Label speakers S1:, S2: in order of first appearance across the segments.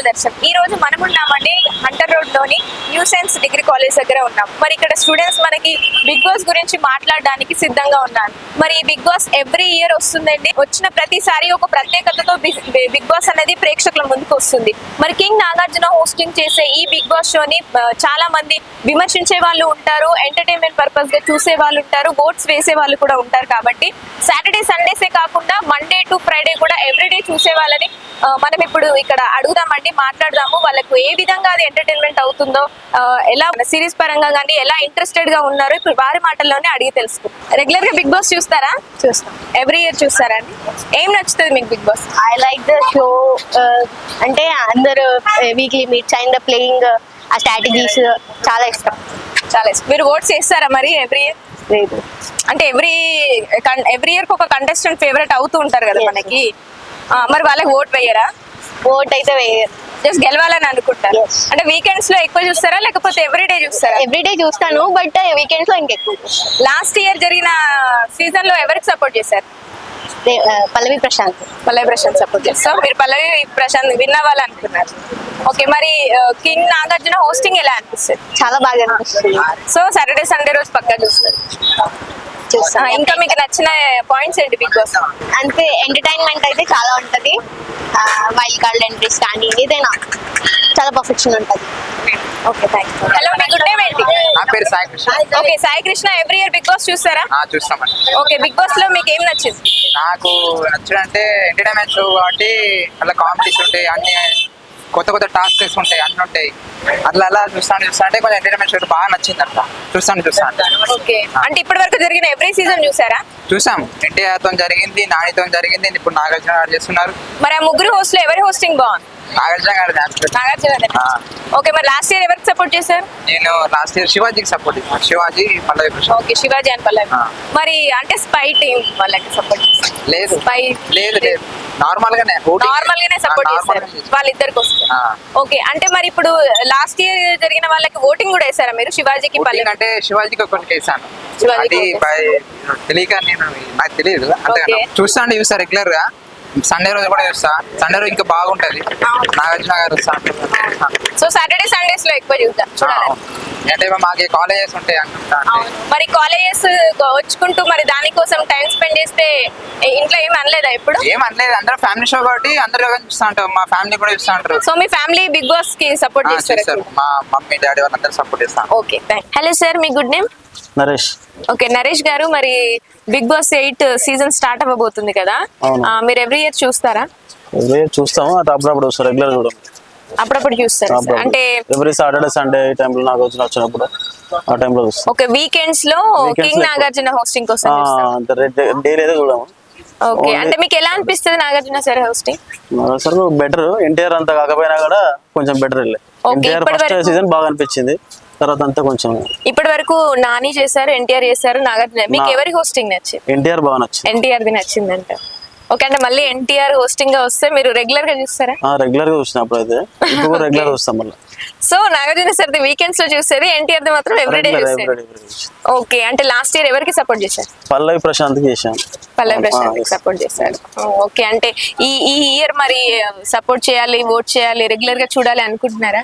S1: దర్శన్. ఈ రోజు మనం ఉన్నామండి హంటర్ రోడ్ లోని న్యూ సైన్స్ డిగ్రీ కాలేజ్ దగ్గర ఉన్నాం. మరి ఇక్కడ స్టూడెంట్స్ మనకి బిగ్ బాస్ గురించి మాట్లాడడానికి సిద్ధంగా ఉన్నారు. మరి ఈ బిగ్ బాస్ ఎవ్రీ ఇయర్ వస్తుందండి. వచ్చిన ప్రతిసారి ఒక ప్రత్యేకతతో బిగ్ బాస్ అనేది ప్రేక్షకుల ముందుకు వస్తుంది. మరి కింగ్ నాగార్జున హోస్టింగ్ చేసే ఈ బిగ్ బాస్ షోని చాలా మంది విమర్శించే వాళ్ళు ఉంటారు, ఎంటర్టైన్మెంట్ పర్పస్ గా చూసే వాళ్ళు ఉంటారు, ఓట్స్ వేసే వాళ్ళు కూడా ఉంటారు. కాబట్టి సాటర్డే సండేసే కాకుండా మండే టు ఫ్రైడే కూడా ఎవ్రీడే చూసే వాళ్ళని మనం ఇప్పుడు ఇక్కడ అడుగుదామండి, మాట్లాడదాము. వాళ్ళకు ఏ విధంగా అది ఎంటర్టైన్మెంట్ అవుతుందో, ఎలా సిరీస్ పరంగా కానీ ఎలా ఇంట్రెస్టెడ్ గా ఉన్నారో ఇప్పుడు వారి మాటల్లోనే అడిగి తెలుసుకుంటాం. రెగ్యులర్ గా బిగ్ బాస్ చూస్తారా?
S2: చూస్తాం.
S1: ఎవ్రీ ఇయర్ చూస్తారా అండి? ఏం నచ్చుతుంది మీకు Big Boss?
S2: I like the show. అంటే అందరు వీక్లీ మీట్స్ అండ్ ప్లేయింగ్ ఆ స్ట్రాటజీస్ చాలా ఇష్టం.
S1: చాలా ఇష్టం. మీరు ఓట్స్ చేస్తారా మరి ఎవ్రీ ఇయర్?
S2: లేదు.
S1: అంటే ఎవ్రీ ఇయర్ ఒక కంటెస్టెంట్ ఫేవరెట్ అవుతూ ఉంటారు కదా మనకి. మరి వాళ్ళకి ఓట్ వేయరా?
S2: ఓట్ అయితే వేయరు.
S1: జస్ట్ గెలవాలని అనుకుంటారు.
S2: Yes.
S1: అంటే వీకెండ్స్ లో ఎక్కువ చూస్తారా లేకపోతే ఎవ్రీడే చూస్తారా?
S2: ఎవ్రీడే చూస్తాను, బట్ వీకెండ్స్ లో ఇంకెక్కువ చూస్తాను.
S1: లాస్ట్ ఇయర్ జరిగిన సీజన్ లో ఎవరికి సపోర్ట్ చేశారు?
S2: పల్లవి ప్రశాంత్.
S1: పల్లవి ప్రశాంత్ సపోర్ట్ చేస్తాం. మీరు పల్లవి ప్రశాంత్ విన్ అవ్వాలి అనుకున్నారు. ఓకే, మరి కింగ్ నాగార్జున హోస్టింగ్ ఎలా అనిపిస్తుంది?
S2: చాలా బాగా అనిపిస్తుంది.
S1: సో సాటర్డే సండే రోజు పక్కా చూస్తారు. ఇంకా మీకు నచ్చిన పాయింట్స్ ఏంటి బిగ్ బాస్?
S2: అంటే ఎంటర్టైన్మెంట్ అయితే చాలా ఉంటది. వైల్డ్ కార్డ్ ఎంట్రీస్ కానీ ఏదైనా చాలా పర్ఫెక్షన్ ఉంటది.
S1: Okay, thank you. హలో, మీ గుడ్ నేమ్ ఏంటి?
S3: నా పేరు Sai Krishna.
S1: Okay, Sai Krishna. Every year Big Boss చూస్తారా?
S3: చూస్తామండి.
S1: ఓకే, బిగ్ బాస్ లో మీకు ఏం నచ్చింది?
S3: నాకు నచ్చడంటే ఎంటర్టైన్మెంట్ షో కాబట్టి అలా కాంపిటీషన్ ఉంటాయి, అన్ని కొత్త కొత్త టాస్క్స్ ఉంటాయి, అన్ని ఉంటాయి. అట్లా అలా చూస్తాను అంటే కొంచెం ఎంటర్టైన్మెంట్ షో బాగా నచ్చింది. అట్లా చూస్తాను.
S1: ఓకే, అంటే ఇప్పటి వరకు జరిగిన ఎవ్రీ సీజన్ చూసారా?
S3: చూసాం. ఎన్టీఆర్తో జరిగింది, నానితో జరిగింది, ఇప్పుడు నాగార్జున గారు చేస్తున్నారు.
S1: మరి ఆ ముగ్గురు హోస్ట్ లో ఎవరి హోస్టింగ్ బాగుంది?
S3: నాగార్జున గారు
S1: నాగార్జున. ఓకే, మరి లాస్ట్ ఇయర్ ఎవరికి సపోర్ట్ చేశారు?
S3: నేను లాస్ట్ ఇయర్ శివాజీకి సపోర్ట్ చేశాను. శివాజీ, పల్లవి ప్రశాంత్.
S1: Okay, Shivaji and Pallavi. మరి అంటే స్పై టీమ్ వాళ్ళకి సపోర్ట్ చేశారు?
S3: లేదు
S1: స్పై
S3: లేదు నార్మల్ గానే
S1: సపోర్ట్ చేశారు వాళ్ళిద్దరికి వస్తారు. ఓకే, అంటే మరి ఇప్పుడు లాస్ట్ ఇయర్ జరిగిన వాళ్ళకి ఓటింగ్ కూడా వేసారా మీరు? శివాజీకి పల్లవి
S3: అంటే శివాజీకి ఒకటి వేసాను.
S1: శివాజీకి
S3: తెలియక నాకు తెలియదు అంతేగా. చూస్తా రెగ్యులర్ గా. సండే రోజు కూడా చూస్తా. సండే రోజు ఇంకా బాగుంటది. నాగార్జున గారు
S1: సో సాటర్డే సండేస్ లో ఎక్కువ చూడాలి.
S3: అంటే మాకు కాలేజెస్ ఉంటాయి అనుకుంటా.
S1: మరి కాలేజెస్ వచ్చుకుంటూ మరి దానికోసం టైం స్పెండ్ చేస్తే ఇంట్లో ఏమి అనలేదా? ఇప్పుడు
S3: ఏం అనలేదు. అందరూ ఫ్యామిలీ షో కాబట్టి అందరూ చూస్తా ఉంటారు. మా ఫ్యామిలీ కూడా చూస్తా ఉంటారు.
S1: సో మీ ఫ్యామిలీ బిగ్ బాస్ కి సపోర్ట్ చేస్తారు?
S3: మా మమ్మీ డాడీ వాళ్ళందరూ సపోర్ట్ చేస్తాను.
S1: ఓకే, హలో సార్, మీ good name?
S4: Naresh.
S1: Okay, Naresh garu, మరి బిగ్ బాస్ 8 సీజన్ స్టార్ట్ అవ్వబోతుంది కదా, మీరు ఎవ్రీ ఇయర్ చూస్తారా?
S4: ఎవ్రీ ఇయర్ చూస్తాము. అప్పుడప్పుడు రెగ్యులర్ చూడం.
S1: అప్పుడప్పుడు చూస్తారు అంటే
S4: ఎవ్రీ సాటర్డే సండే ఈ టైంలో నాకు వచ్చినప్పుడు ఆ టైంలో చూస్తాం.
S1: ఓకే, వీకెండ్స్ లో కింగ్ నాగార్జున హోస్టింగ్ కోసం
S4: డైలీ అయితే చూడము.
S1: ఓకే, అంటే మీకు ఎలా అనిపిస్తుంది Nagarjuna sir hosting?
S4: Sir better. NTR అంతా కాకపోయినా కూడా కొంచెం బెటర్. ఎన్టీఆర్ ఫస్ట్ సీజన్ బాగా అనిపించింది, తర్వాత అంతా కొంచెం.
S1: ఇప్పటి వరకు నాని చేశారు, ఎన్టీఆర్ చేశారు, నాగార్జున. మీకు ఎవరి హోస్టింగ్ నచ్చింది?
S4: ఎన్టీఆర్ బాగా నచ్చింది.
S1: ఎన్టీఆర్ ది నచ్చిందంట. ఓకే, అంటే మళ్ళీ ఎన్టీఆర్ హోస్టింగ్ గా వస్తే మీరు రెగ్యులర్ గా చూస్తారా?
S4: రెగ్యులర్ గా చూసినప్పుడు అయితే ఇప్పుడు రెగ్యులర్ చూస్తాం మళ్ళీ.
S1: సో నాగార్జున సార్ ది వీకెండ్స్ లో చూసేది, ఎన్టీఆర్ ది మాత్రం ఎవ్రీడే చూసేది. ఓకే, అంటే లాస్ట్ ఇయర్ ఎవరికి సపోర్ట్ చేశారు?
S4: పల్లవి ప్రశాంత్ చేశాను.
S1: పల్లవి ప్రశాంత్ సపోర్ట్ చేశారు. ఓకే, అంటే ఈ ఇయర్ మరి సపోర్ట్ చేయాలి, ఓట్ చేయాలి, రెగ్యులర్ గా చూడాలి అనుకుంటున్నారా?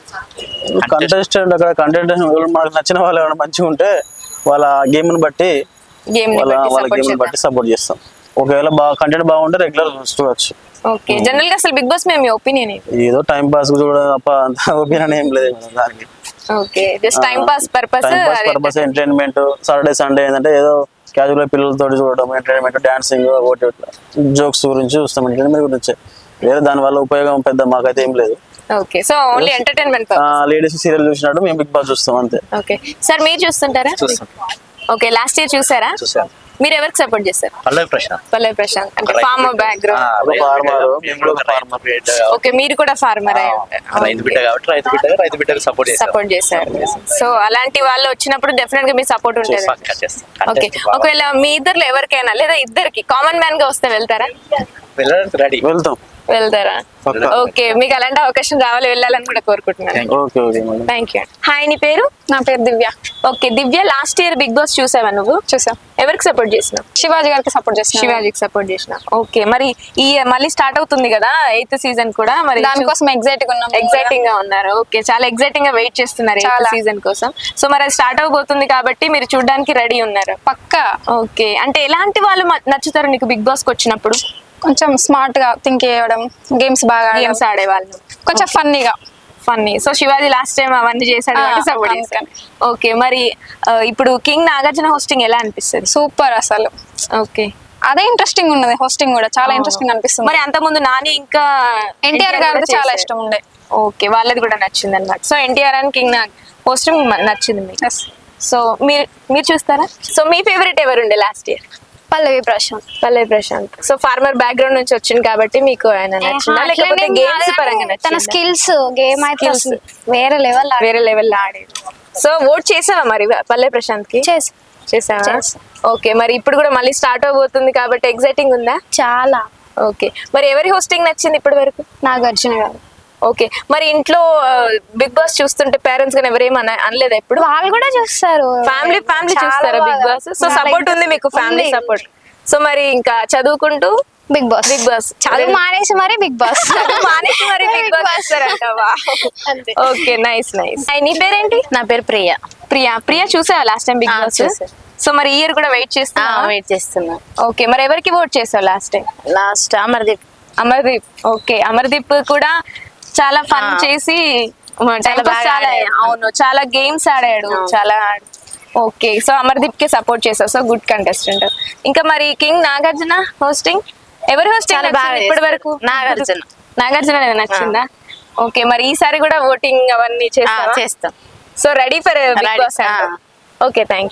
S4: కంటెస్టెంట్ అక్కడ మనకు నచ్చిన వాళ్ళు ఏమైనా మంచిగా ఉంటే వాళ్ళ గేమ్ ని బట్టి సపోర్ట్ చేస్తాం. ఒకవేళ కంటెంట్ బాగుంటే రెగ్యులర్ చూడొచ్చు.
S1: ఓకే, జనరల్ గా అసలు బిగ్ బాస్ మీ ఒపీనియన్ ఏంటి?
S4: ఏదో టైం పాస్ చూడడం తప్ప అంత ఒపీనియన్ ఏం లేదు దానికి.
S1: Okay, just time pass purpose
S4: entertainment. Saturday Sunday ఏంటంటే ఏదో క్యాజువల్ గా పిల్లలతో చూడడం, ఎంటర్టైన్మెంట్, డాన్సింగ్, జోక్స్ గురించి చూస్తాం. ఎంటర్టైన్మెంట్ గురించి వేరే దాని వల్ల ఉపయోగం పెద్ద మాకైతే ఏం లేదు.
S1: Okay, so only entertainment.
S4: Ladies serial చూసినట్టు మేము బిగ్ బాస్ చూస్తాం అంతే.
S1: ఓకే సార్, మీరు చూస్తుంటారా? ఓకే, లాస్ట్ ఇయర్ చూసారా? మీరు ఎవరికి సపోర్ట్ చేస్తారు?
S5: పల్లవి ప్రశాంత్.
S1: పల్లవి ప్రశాంత్ అంటే ఫార్మర్ బ్యాక్గ్రౌండ్. ఓకే, మీరు కూడా ఫార్మర్ అయి ఉంటారు.
S5: రైతు బిడ్డ కాబట్టి రైతు బిడ్డకు
S1: సపోర్ట్ చేశారు. సో అలాంటి వాళ్ళు వచ్చినప్పుడు డెఫినెట్ గా మీ సపోర్ట్ ఉంటుంది. ఓకే, ఒకవేళ మీ ఇద్దరు ఎవరికైనా లేదా ఇద్దరికి కామన్ మ్యాన్ గా వస్తే వెళ్తారా?
S4: వెళ్తాం.
S1: వెళ్తారా?
S4: పక్కా.
S1: ఓకే, మీకు అలాంటి అవకాశం రావాలి, వెళ్ళాలని కూడా కోరుకుంటున్నాను.
S4: Okay okay madam.
S1: Thank you. Hi, నీ పేరు?
S6: నా పేరు Divya.
S1: Okay Divya, last year Big Boss చూసావా నువ్వు?
S6: చూసా.
S1: ఎవరికి సపోర్ట్ చేసినావు?
S6: శివాజీ గారికి సపోర్ట్ చేసిన.
S1: శివాజీకి సపోర్ట్ చేసిన. ఓకే, మరి ఈ మళ్ళీ స్టార్ట్ అవుతుంది కదా 8th సీజన్ కూడా, మరి
S6: దానికోసం ఎగ్జైటింగ్ ఉన్నాం.
S1: ఎగ్జైటింగ్ గా ఉన్నారు. ఓకే, చాలా ఎగ్జైటింగ్ గా వెయిట్ చేస్తున్నారు 8th
S6: చాలా.
S1: సీజన్ కోసం. సో మరి అది స్టార్ట్ అవబోతుంది కాబట్టి మీరు చూడడానికి రెడీ ఉన్నారు.
S6: పక్కా.
S1: ఓకే, అంటే ఎలాంటి వాళ్ళు నచ్చుతారు నీకు బిగ్ బాస్ కి వచ్చినప్పుడు?
S6: కొంచెం స్మార్ట్ గా థింక్ చేయడం, గేమ్స్ బాగా
S1: గేమ్స్ ఆడేవాళ్ళు,
S6: కొంచెం ఫన్నీగా.
S1: Funny. So Shivaji last time అవన్నీ చేశాడు కాబట్టి సపోర్ట్ చేశాను. ఓకే, మరి ఇప్పుడు కింగ్ నాగార్జున హోస్టింగ్ ఎలా అనిపిస్తుంది?
S6: సూపర్ అసలు.
S1: ఓకే,
S6: అదే ఇంట్రెస్టింగ్ ఉన్నది, హోస్టింగ్ కూడా చాలా ఇంట్రెస్టింగ్ అనిపిస్తుంది.
S1: మరి అంత ముందు నాని ఇంకా
S6: ఎన్టీఆర్ గారిది చాలా ఇష్టం ఉండే.
S1: ఓకే, వాళ్ళది కూడా నచ్చింది అనమాట. So NTR and king hosting నచ్చింది మీకు.
S6: Yes.
S1: సో మీరు చూస్తారా? సో మీ ఫేవరెట్ ఎవరు ఉండే last year?
S2: Pallavi Prashanth.
S1: Pallavi Prashanth. So farmer background నుంచి వచ్చింది కాబట్టి మీకు ఆయన నచ్చిందా, లేకపోతే గేమ్స్ పరంగా
S2: తన
S1: నచ్చిందా?
S2: స్కిల్స్ గేమ్ అయితే
S1: Skills.
S2: అసలు వేరే లెవెల్
S1: వేరే లెవెల్ ఆడేది. సో ఓట్ చేసావా మరి పల్లవి ప్రశాంత్ కి? చేసావా?
S2: చేసా.
S1: ఓకే, మరి ఇప్పుడు కూడా మళ్ళీ స్టార్ట్ అవబోతుంది కాబట్టి ఎగ్జైటింగ్ ఉందా?
S2: చాలా.
S1: ఓకే, మరి ఎవరి హోస్టింగ్ నచ్చింది ఇప్పటి వరకు?
S2: నాగార్జున గారు.
S1: ఓకే, మరి ఇంట్లో బిగ్ బాస్ చూస్తుంటే పేరెంట్స్ గానీ ఎవరేమన్నా అనలేదా ఎప్పుడు?
S2: వాళ్ళు కూడా చూస్తారు.
S1: ఫ్యామిలీ
S2: చాలా
S1: చూస్తారా బిగ్
S2: బాగా.
S1: బాస్? సో సపోర్ట్ ఉంది మీకు, ఫ్యామిలీ
S2: ఉంది.
S1: సపోర్ట్. సో మరి ఇంకా చదువుకుంటూ
S2: బిగ్ బాస్.
S1: బిగ్ బాస్
S2: చదువు మానేసి మరి బిగ్ బాస్.
S1: మానేసి మరి బిగ్ బాస్ వస్తారంటావా?
S2: అంతే.
S1: Okay, nice nice. నీ పేరేంటి?
S2: నా పేరు ప్రియ.
S1: ప్రియా చూసావా లాస్ట్ టైం బిగ్
S2: ఆ,
S1: బాస్?
S2: చూసా.
S1: సో మరి ఇయర్ కూడా వెయిట్ చేస్తా.
S2: వెయిట్ చేస్తున్నా.
S1: ఓకే, మరి ఎవరికి ఓట్ చేసావు last time?
S2: Last Amardeep.
S1: Amardeep. Okay, Amardeep కూడా చాలా ఫన్ చేసి
S2: చాలా బాగా
S1: చాలా
S2: ఆడాడు.
S1: అవును, చాలా గేమ్స్ ఆడాడు, చాలా. ఓకే, సో అమర్దీప్ కి సపోర్ట్ చేసావు. So good contestant. ఇంకా మరి కింగ్ నాగార్జున హోస్టింగ్, ఎవరి హోస్టింగ్
S2: చాలా బాగా
S1: ఇప్పటి వరకు? నాగార్జున నచ్చిందా? ఓకే, మరి ఈసారి కూడా ఓటింగ్ అవన్నీ చేస్తాం.
S2: చేస్తాం.
S1: So ready for Big
S2: Ready.
S1: Boss. Okay, thank